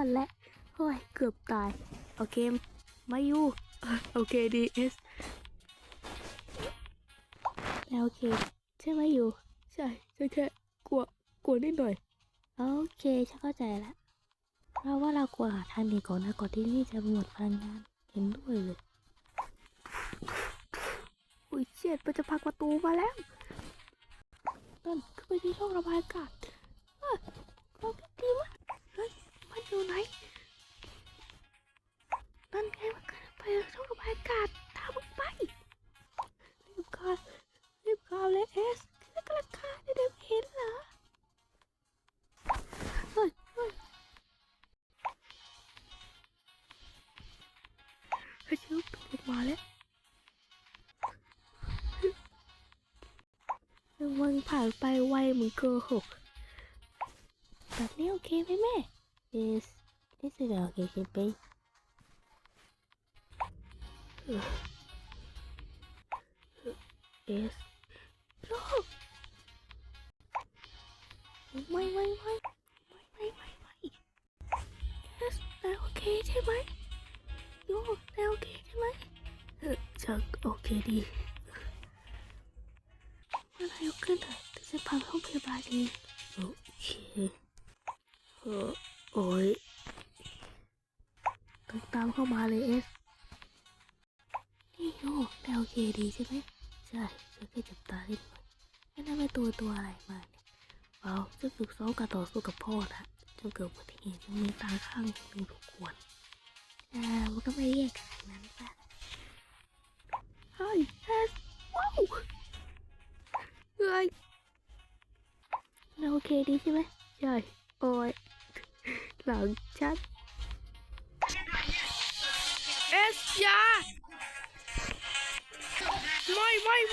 ดแล้วโอ้ยเกือบตายโอเคมาอยู่โอเคดีเอสแล้วโอเคใช่ไหมอยู่ใช่แค่กลัวนิดหน่อยโอเคฉันเข้าใจแล้วเพราะว่าเราควรหาทางหนีก่อนนะก่อนที่นี่จะหมดพลังงานเห็นด้วยเลยอุ้ยเชี่ยมันจะพังประตูมาแล้วนั่นขึ้นไปที่ช่องระบายอากาศเราดีมากเฮ้ยมันอยู่ไหนนั่นไงมันขึ้นไปช่องระบายอากาศตามมึงไปรีบเข้าเลยเอสกระคาได้เห็นเหรอเฮ้ยชิวลงมาแล้ววันผ่านไปไวเหมือนโกหกแบบนี้โอเคไหมแม่ Yes this is okay baby เอสโอ้ไม่เอสแต่โอเคใช่ไหมโย่แต่โอเคใช่ไหมจะโอเคดีเมื่อไรยกขึ้นเถอะจะพังห้องพยาบาลเองโอเคโอ้ยต้องตามเข้ามาเลยเอสนี่โย่แต่โอเคดีใช่ไหมใช่ฉันแค่จับตาเล่นหน่อยไม่ได้ไปตัวอะไรมาเนี่ยเปล่าจะฝึกซ้อมการต่อสู้กับพ่อนะจนเกิดอุบัติเหตุจนมีตาข้างหนึ่งถูกขวนมันก็ไม่แย่ขนาดนั้นป่ะเฮ้ยเอสว้าวเฮ้ยเราโอเคดีใช่ไหมใช่โอ้ยหลังชัดเอสยาไม่เฮ้ย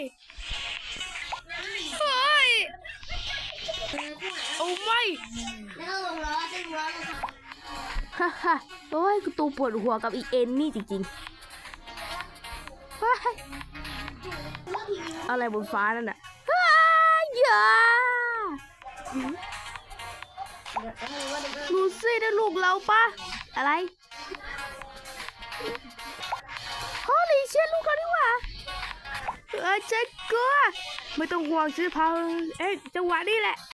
โอ้ไม่ฮ่าฮ่าโอ้ยกูตูปวดหัวกับอีเอ็นนี่จริงๆอะไรบนฟ้านั่นน่ะอย่าลูซี่ได้ลูกเราปะอะไรฮอลลี่เชี่ยลูกเราดีกว่าเจ๊กลัวไม่ต้องห่วงซื้อพาจังหวะนี้แหละ